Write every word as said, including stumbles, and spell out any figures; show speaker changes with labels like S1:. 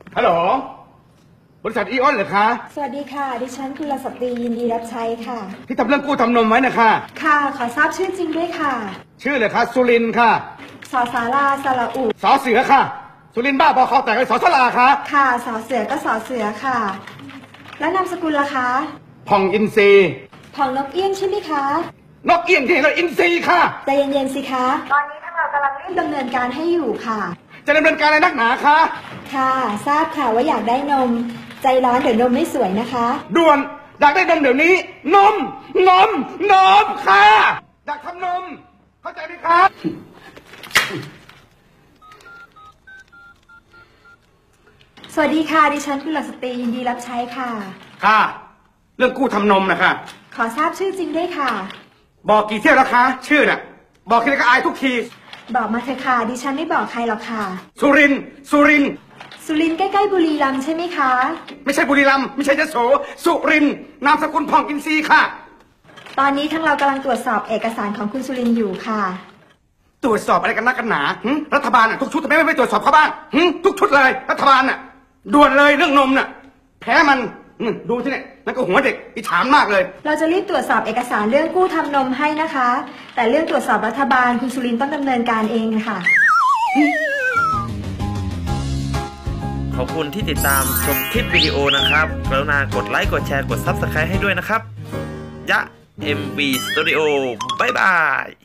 S1: ฮัลโหลบริษัทอีออนเหรอคะ
S2: สวัสดีค่ะดิฉันกุลสตรียินดีรับใช้ค่ะ
S1: ที่ทำเรื่องกู้ทำนมไว้นะคะ
S2: ค่ะขอทราบชื่อจริงด้วยค่ะ
S1: ชื่อเลยคะสุรินค่ะ
S2: สอสาราสระอุ
S1: สอเสือค่ะสุรินบ้าบอคอแตกเลยสอสลาค่ะ
S2: ค่ะสอเสือก็สอเสือค่ะแล้วนามสกุลล่ะคะ
S1: ผ่องอินซี
S2: ผ่องนกเอี้ยงใช่ไหมคะ
S1: นกเอี้ยงที่ไหนอินซีค่ะ
S2: ใจเย็นๆสิคะตอนนี้ทางเรากำลังรีบดำเนินการให้อยู่ค่ะ
S1: จะดำเนินการอะไรนักหนาคะ
S2: ค่ะทราบค่ะว่าอยากได้นมใจร้อนเดี๋ยวนมไม่สวยนะคะ
S1: ด่วนอยากได้นมเดี๋ยวนี้นมนมนมค่ะอยากทำนมเข้าใจไหมครับ
S2: สวัสดีค่ะดิฉันกุลสตรียินดีรับใช้ค่ะ
S1: ค่ะเรื่องกู้ทำนมนะคะ
S2: ขอทราบชื่อจริงด้วยค่ะ
S1: บอกกี่เที่ยวแล้วคะชื่อน่ะบอกทีไรก็อายทุกที
S2: บอกมาเถอะค่ะดิฉันไม่บอกใครหรอกค่ะ
S1: สุรินสุริน
S2: สุรินใกล้ๆบุรีรัมย์ใช่ไหมคะ
S1: ไม่ใช่บุรีรัมย์ไม่ใช่ยโสสุรินนามสกุลผ่องอินทรีย์ค่ะ
S2: ตอนนี้ทั้งเรากำลังตรวจสอบเอกสารของคุณสุรินอยู่ค่ะ
S1: ตรวจสอบอะไรกันนักกันหนารัฐบาลน่ะทุกชุดทำไมไม่ตรวจสอบเขาบ้างทุกชุดเลยรัฐบาลน่ะด่วนเลยเรื่องนมน่ะแพ้มันดูที่เนี่ยนั่นก็หัวเด็กอิจฉามากเลย
S2: เราจะรีบตรวจสอบเอกสารเรื่องกู้ทำนมให้นะคะแต่เรื่องตรวจสอบรัฐบาลคุณสุรินต้องดำเนินการเองค่ะ
S3: ขอบคุณที่ติดตามชมคลิปวิดีโอนะครับกรุณากดไลค์กดแชร์กด ซับสไครบ์ ให้ด้วยนะครับยะ เอ็ม วี Studio บ๊ายบาย